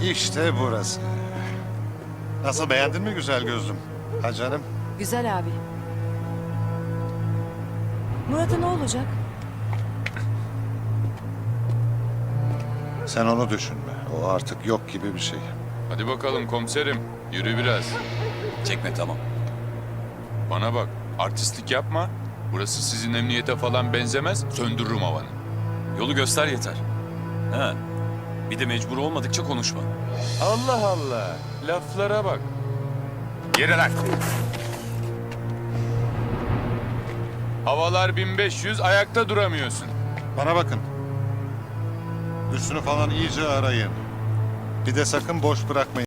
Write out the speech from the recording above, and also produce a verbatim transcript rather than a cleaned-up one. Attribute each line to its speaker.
Speaker 1: İşte burası. Nasıl, beğendin mi güzel gözlüm? Ha canım?
Speaker 2: Güzel abi. Murat'a ne olacak?
Speaker 1: Sen onu düşünme. O artık yok gibi bir şey.
Speaker 3: Hadi bakalım komiserim. Yürü biraz.
Speaker 4: Çekme tamam.
Speaker 3: Bana bak. Artistlik yapma. Burası sizin emniyete falan benzemez. Söndürürüm havanı.
Speaker 4: Yolu göster yeter. Ha. Bir de mecbur olmadıkça konuşma.
Speaker 3: Allah Allah. Laflara bak. Yere lan. Havalar bin beş yüz, ayakta duramıyorsun.
Speaker 1: Bana bakın. Üstünü falan iyice arayın. Bir de sakın boş bırakmayın.